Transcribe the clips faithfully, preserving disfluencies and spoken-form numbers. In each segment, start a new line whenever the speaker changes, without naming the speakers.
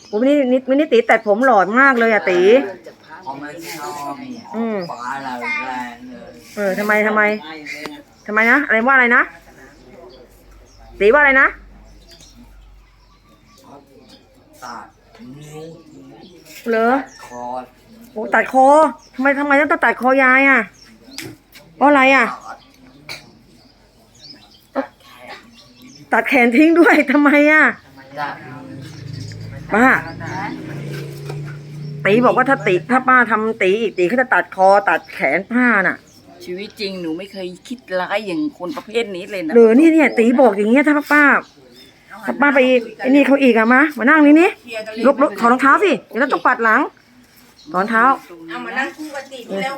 โอ้วันนี้นิดวันนี้ตีตัดผมหล่อมากเลยอะตี
ผมไม่ชอบฟ้าแรงเลย
เออทำไมทำไมทำไมนะอะไรว่าอะไรนะตีว่าอะไรนะ
ตัดนิ้ว
เหรอ
คอ
โอ้ตัดคอทำไมทำไมต้องตัดคอยายอ่ะเพราะอะไรอ่ะตัดแขนทิ้งด้วยทำไมอ่ะป้าตีบอกว่าถ้าตีถ้าป้าทำตีอีกตีเขาจะตัดคอตัดแขนป้าน่ะ
ชีวิตจริงหนูไม่เคยคิดร้ายอย่างคนประเภทนี้เลยนะ
หรือนี่เนี่ยตีบอกอย่างเงี้ยถ้าป้าถ้าป้าไปไอ้นี่เขาอีกอะมามานั่งนี่นี่ลุกลุกถอดรองเท้าสิเดี๋ยวเราต้องปัดหลังถอดเท้า
เอามานั่งคู่กันติแล้ว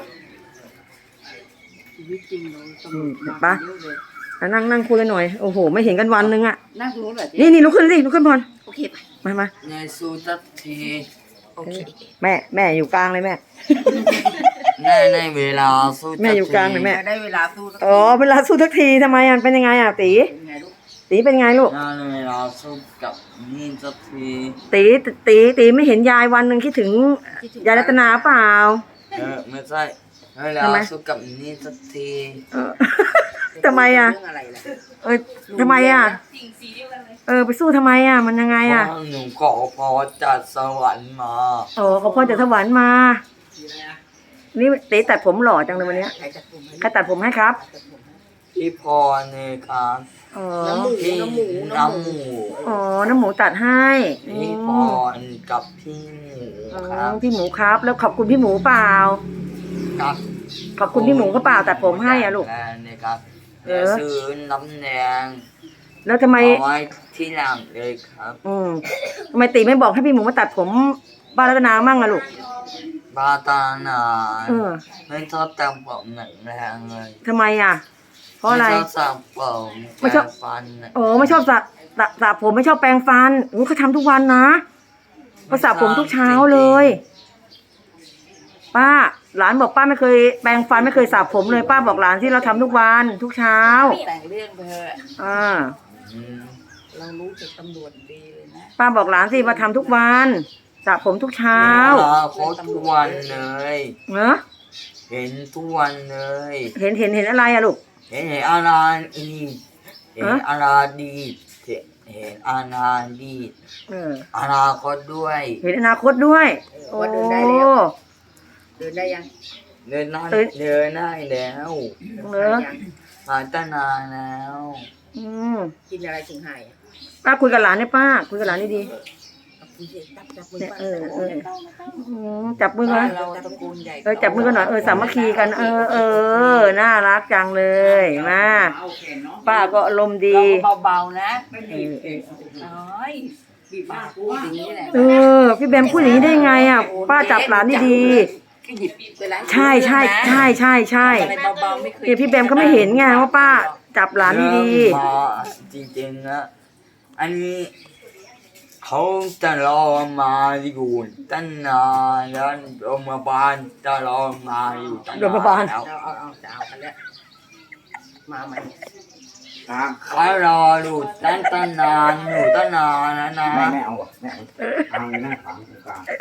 ชีวิตจริงเราตำรวจ
ป้านั่งนั่งคุยกันหน่อยโอ้โหไม่เห็นกันวันนึงอะ
นั่งตรงนู้นเหรอ
นี่นี่ลุกขึ้นสิลุกขึ้นพร
โอเค
มามา
ในสูตัดที
โอเค
แม่แม่อยู่กลางเลยแม่
แม่ในเวลาสู้
แม่อยู่กลางเลยแม่
ได้เวลาสู้
อ๋อเวลาสู้ทักทีทำไมอ่ะเป็นยังไงอ่ะตีตีเป็นไงลูก
ในเวลาสู้กับนี่สักที
ตีตีตีไม่เห็นยายวันหนึ่งคิดถึงยายรัตนาเปล่า
เออไม่ใช่เวลาสู้กับนี่สักที
ทำไมอ่ะเออทำไมอ่ะเออไปสู้ทำไมอ่ะมันยังไงอ่ะ
หนูขอพอจากสวรรค์มา
โอ้ขอพรจากสวรรค์มานี่ตีตัดผมหล่อจังเลยวันนี้ใครตัดผมให้ครับ
พี่พรเนี่ยครับ
น้ำหมูน้ำหมู
น้ำหมู
อ๋อน้ำหมูตัดให้
พี่พรกับพี่หมู
ครับพี่หมูครับแล้วขอบคุณพี่หมูเปล่า
ครับ
ขอบคุณพี่หมูก็เปล่าตัดผมให้อ่ะลูก
เนี่ยครับเออซื้อน้ำแดง
แล้วทำไม
เอาไว้ที่หลังเลยครับ
อืมทำไมตีไม่บอกให้พี่หมูมาตัดผมบ้านรัตนามั่งอะลูก
บ้าตาหนาไม่ชอบแต่งผมหนังแรงเลย
ทำไมอ่ะเพราะอะไร
ไม่ชอบสระผมไม่ชอบฟัน
โอ้ไม่ชอบสระสระผมไม่ชอบแปรงฟันโอ้เขาทำทุกวันนะเขาสระผมทุกเช้าเลยป้าหลานบอกป้าไม่เคยแปรงฟันไม่เคยสระผมเลยป้าบอกหลานที่เราทำทุกวันทุกเช้า
แต่งเรื่องเธอ
อ่า
เรารู้จากตำรวจดีเลยนะ
ป้าบอกหลานสิมาทำทุกวันสระผมทุกเช้า
เขาทุกวันเลย
เนอะ
เห็นทุกวันเลย
เห็นเห็นเห็นอะไรอะลูก
เห็นเห็นอาราดีเห็นอาราดีเห็นอาราดีอนาคตด้วย
เห็นอนาคตด้วย
โอ้เดินได้แล้วเดินได้ยัง
เดินได้เดินได้แล้ว
เนอะ
หายตั้งนานแล้ว
อืม
กินอะไรถึงหาย
ป้าคุยกับหลานเนี่ยป้าคุยกับหลานนี่ดี
เนี่ยเออเออ
จับมือกันเออจับมือกันหน่อยเออสามัคคีกันเออเออน่ารักจังเลยมาป้าก็อารมณ์ดี
เบาๆนะไม่บีบเอ้ยบีบปากพูดอย่างนี้แหละ
เออพี่แบมพูดอย่างนี้ได้ไงอ่ะป้าจับหลานนี่ดีใช่ใช่ใช่ใช่ใช่เดี๋ยวพี่แบมเขาไม่เห็นไงว่าป้าจับหลานนี่ดี
จริงๆนะอันนี้เขาจะรอมาอยู่ตั้งนานแล้วโรงพยาบาลจะรอมาอยู่ตั้งนาน
โรงพยาบาล
เอาเอาเอาจะเอากันแล้วมาใหม่
เขารออยู่ตั้งตั้งนานอยู่ตั้งนานแล้วนะ
แม่ไม่เอาอ่ะแม่เอาทางหน้าขวางตรงกลาง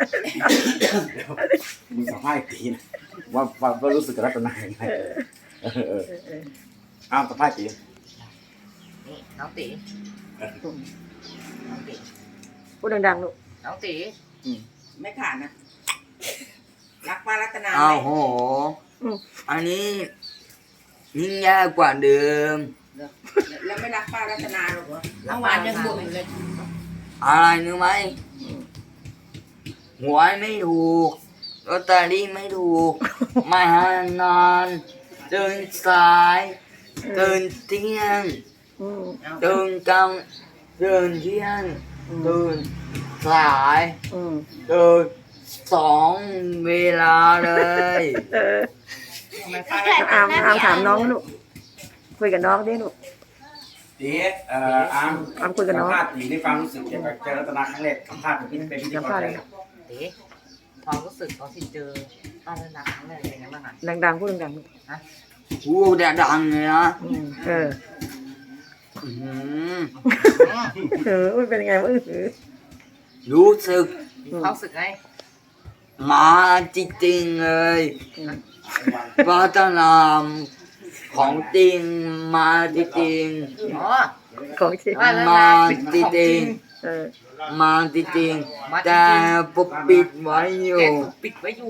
มึงสัมภาษณ์ตีนะว่าว่ารู้สึกกับรัตนาอย่างไรเออเอออ้าวสัมภาษณ์ตี
นี่น้องตีน้องตี
พูดดังๆลูก
น้องตีไม่ขาดนะรักป้ารัตนา
อ้าวโหอันนี้ยิ่งยากกว่าเดิม
แล้วไม่รักป้ารัตนาหรอกเหรอเมื่อวานยังบ่นเลย
อะไรนึกไหมหวยไม่ถูกลอตเตอรี่ไม่ถูกไม่หานอนตื่นสายตื่นเที่ยงตื่นกลางตื่นเที่ยงตื่นสายตื่นสองเวลาเลย
อามอามถามน้องลูกคุยกับน้องดิลูก
ตีเอ่ออาม
อามคุยกับน้อง
สัมภาษณ์ตีได้ฟังรู้สึกเกี่ยวกับเจอรัตนาครั้งแรกสัมภาษณ์เป็นเป็นพิธีกรเลย
ตีความรู้สึกตอนที่เจอป้ารัตนาครั้งแรกเป็นไงบ้างอ่ะ
ดังๆพูดดังๆลูก
ฮะพูดดังเลยนะ
เออเออเป็นยังไงวะเออ
รู้สึก
มีความรู้สึกไง
มาจริงๆเลยพัฒนาของจริงมาจริง
อ๋อ
ของจริง
ว่าแล้ว
มา
นะเป็น
จ
ของจ
ริ
ริ
ง
ง
เออ
ๆมาจริง
มาจริงๆ
ๆแต่ปกปิดไว้อ
แก
ยู่
ถูกปิดไว้อยู่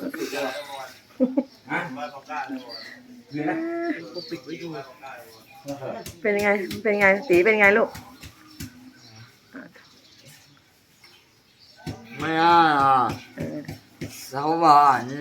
คือนะ
ถูกปิดไว้อยู่
เป็นยังไง เป็นยังไงตีเป็นยังไงลูก
ไม่น่า
เออ
สวรรค์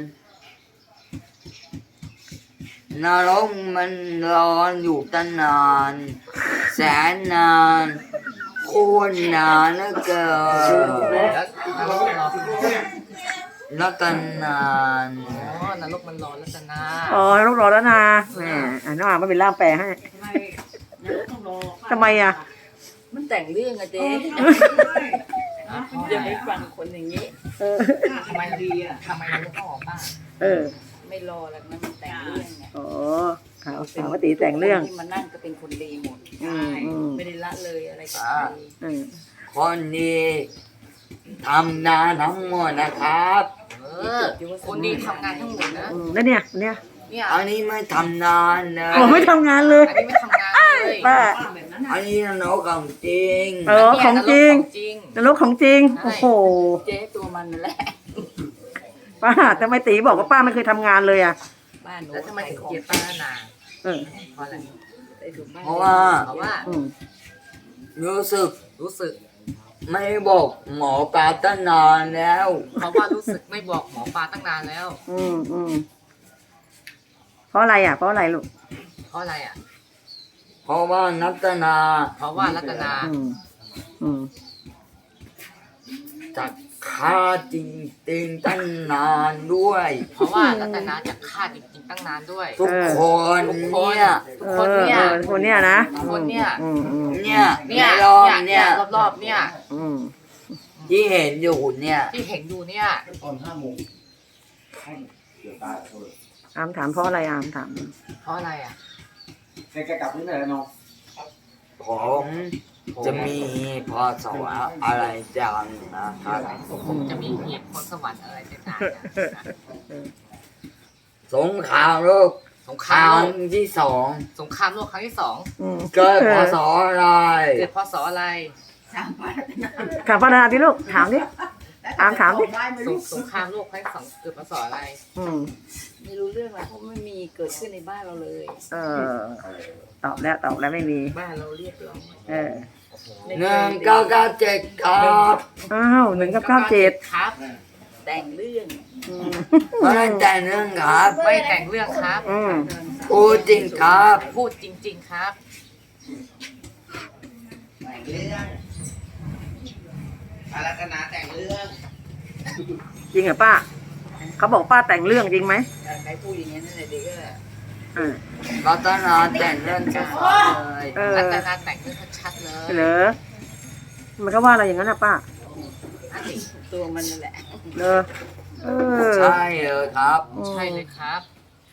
นรกมันร้อนอยู่ตั้งนาน แสนนานโคตรนานเหลือเกิน
แล้วนรกมันร้อน
แล้วกันนาน
อ๋อนรกมันร้อนแล้วจะนา
อ๋อลูกรอแล้วนะแหมอ่าน้องอาไม่เป็นล่ามแปลให้
ทำไมนรกต้องรอ
ทำไมอ่ะ
มันแต่งเรื่องอะเจ๊อย่าไปฟังคนอย่างนี้
เออ
ทำไมดีอะทำไมนรกต้องออกบ้าง
เออ
ไม่รอแล้วนะมันแต่งเรื่องไง
อ๋อข่าวข่าวว่าตีแต่งเรื่อง
คนที่มานั่งก็เป็นคนดีหมด
อืมอืม
ไม่ได้ละเลยอะไรกับใคร
อืม
คนนี้ทำงานทั้งหมดนะครับ
เออคนดีทำงานทั้งหมดนะ
อืมแล้วเนี่ยเนี่ย
เนี่ย
อันนี้ไม่ทำนานเล
โอ้ไม่
ย
ทำงานเลย
อันนี้ไม่ทำงานเลย
ป้า
อันนี้นรกของจริง
เออของจริง
จริง
นรกของจริง โอ้โห
เจ๊ตัวมันนั่นแหละ
ป้าทำไมตีบอกว่าป้าไม่เคยทำงานเลยอ่ะ
บ้านหนูแล้วทำไมถึงเกลียดป้านา
เออ
เพราะอะไร
เพราะว่า
เพราะว่า
อืม
รู้สึก
รู้สึก
ไม่บอกหมอปลาตั้งนานแล้ว
เพราะว่ารู้สึกไม่บอกหมอปลาตั้งนานแล้ว
อืมอืมเพราะอะไรอ่ะ เพราะอะไรลูก
เพราะอะไรอ่ะ
เพราะว่านัตนา
เพราะว่ารัตนา
อืมอืม
จะฆ่าจริงๆตั้งนานด้วย
เพราะว่ารัตนาจะฆ่าจริงๆตั้งนานด้วย
ทุกคนเนี่ย
ทุกคนเนี่ย
ออออคนเนี้ยนะ
คนเนี่ย
อืมอืม
เนี่ย
เนี่ย
ในรอบ
เนี่
เนี่ย ย
รอบๆเนี่ย
อืม
ที่เห็นอยู่เนี่ย
ที่เห็นอยู่เนี่ย
ตอนห้าโมงเดี๋ยวตายโทษ
อามถามเพราะอะไรอามถาม
เพราะอะไรอ่ะ
แกกลับนี่ไหนแล้วน้อง
ผมจะมีพอสวะอะไรจังนะครับ
ผมจะมีเหตุผลสวรรค์อะไรต่างๆ
สงครามโลก
สงค
ค
ราม
รั้ง
โลก
ที่สอง
สงครามโลกครั้งที่สอง
อืม
เกิดพศอะไร
เกิดพศอะไร
ถามป้าดาดิลูก ถามดิ อามถามดิ
สงสงครามโลกครั้งที่สองเกิดพศอะไร
อืม
ไม่รู้เรื่องอะไรเพราะไม่มีเกิดขึ้นในบ้านเราเลย
เออ ตอบแล้วตอบแล้วไม่มี
บ้านเราเรียบร้อย
เออ
หนึ่งเก้าเก้าเจ็ดครับ
อ้าวหนึ่งกับเก้าเจ็ด
ครับ แต่งเรื่อง
อืม
ไม่ได้แต่งเรื่องครับ
ไม่แต่งเรื่องครับ
อืม
พูดจริงครับ
พูดจริง ๆ ครับ
จริงเหรอป้า เขาบอกป้าแต่งเรื่องจริงไหม
ใครพูดอย่างนี้นั่นแหละเด็กก็
เออ
รัตนาแต่งเรื่องชัดๆเลย
เออ
รัตนาแต่งเรื่องชัดๆเลย
เหรอมันก็ว่าอะไรอย่างนั้นนะป้า
ตัวมันนั่นแหละ
เลอเออ
ใช่เลยครับ
อืม
ใช่เลยครับ